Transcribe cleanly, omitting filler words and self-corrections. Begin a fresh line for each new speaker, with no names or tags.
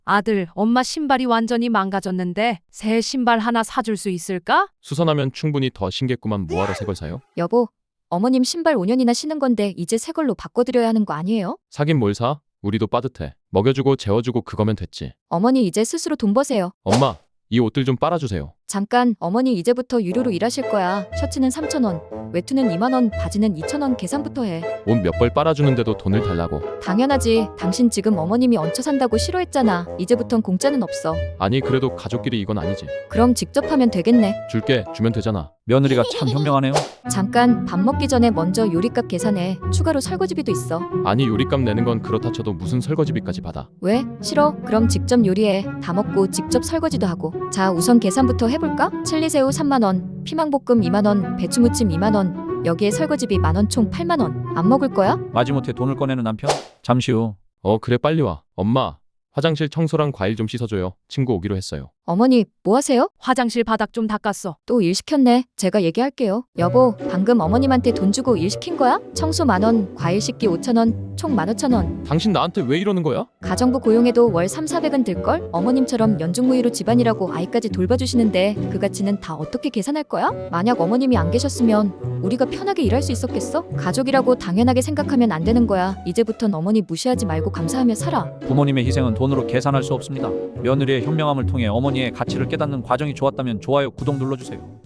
아들, 엄마 신발이 완전히 망가졌는데 새 신발 하나 사줄 수 있을까?
수선하면 충분히 더 신겠구만. 뭐하러 새 걸 사요?
여보, 어머님 신발 5년이나 신은 건데 이제 새 걸로 바꿔드려야 하는 거 아니에요?
사긴 뭘 사? 우리도 빠듯해. 먹여주고 재워주고 그거면 됐지.
어머니 이제 스스로 돈 버세요.
엄마, 이 옷들 좀 빨아주세요.
잠깐, 어머니 이제부터 유료로 일하실 거야. 셔츠는 3,000원, 외투는 2만 원, 바지는 2,000원 계산부터 해.
옷 몇 벌 빨아주는데도 돈을 달라고.
당연하지. 당신 지금 어머님이 얹혀 산다고 싫어했잖아. 이제부턴 공짜는 없어.
아니 그래도 가족끼리 이건 아니지.
그럼 직접 하면 되겠네.
줄게. 주면 되잖아.
며느리가 참 현명하네요.
잠깐, 밥 먹기 전에 먼저 요리값 계산해. 추가로 설거지비도 있어.
아니 요리값 내는 건 그렇다 쳐도 무슨 설거지비까지 받아.
왜? 싫어? 그럼 직접 요리해. 다 먹고 직접 설거지도 하고. 자, 우선 계산부터 해볼까? 칠리새우 3만 원, 피망볶음 2만 원, 배추무침 2만 원. 여기에 설거지비 만원 총 8만 원. 안 먹을 거야?
마지못해 돈을 꺼내는 남편. 잠시 후
그래 빨리 와. 엄마, 화장실 청소랑 과일 좀 씻어줘요. 친구 오기로 했어요.
어머니, 뭐 하세요?
화장실 바닥 좀 닦았어.
또 일 시켰네. 제가 얘기할게요. 여보, 방금 어머님한테 돈 주고 일 시킨 거야? 청소 만원, 과일 씻기 5,000원, 총 15,000원.
당신 나한테 왜 이러는 거야?
가정부 고용해도 월 3,400은 들걸? 어머님처럼 연중무휴로 집안일하고 아이까지 돌봐주시는데 그 가치는 다 어떻게 계산할 거야? 만약 어머님이 안 계셨으면 우리가 편하게 일할 수 있었겠어? 가족이라고 당연하게 생각하면 안 되는 거야. 이제부턴 어머니 무시하지 말고 감사하며 살아.
부모님의 희생은 돈으로 계산할 수 없습니다. 며느리의 현명함을 통해 어머니의 가치를 깨닫는 과정이 좋았다면 좋아요, 구독 눌러주세요.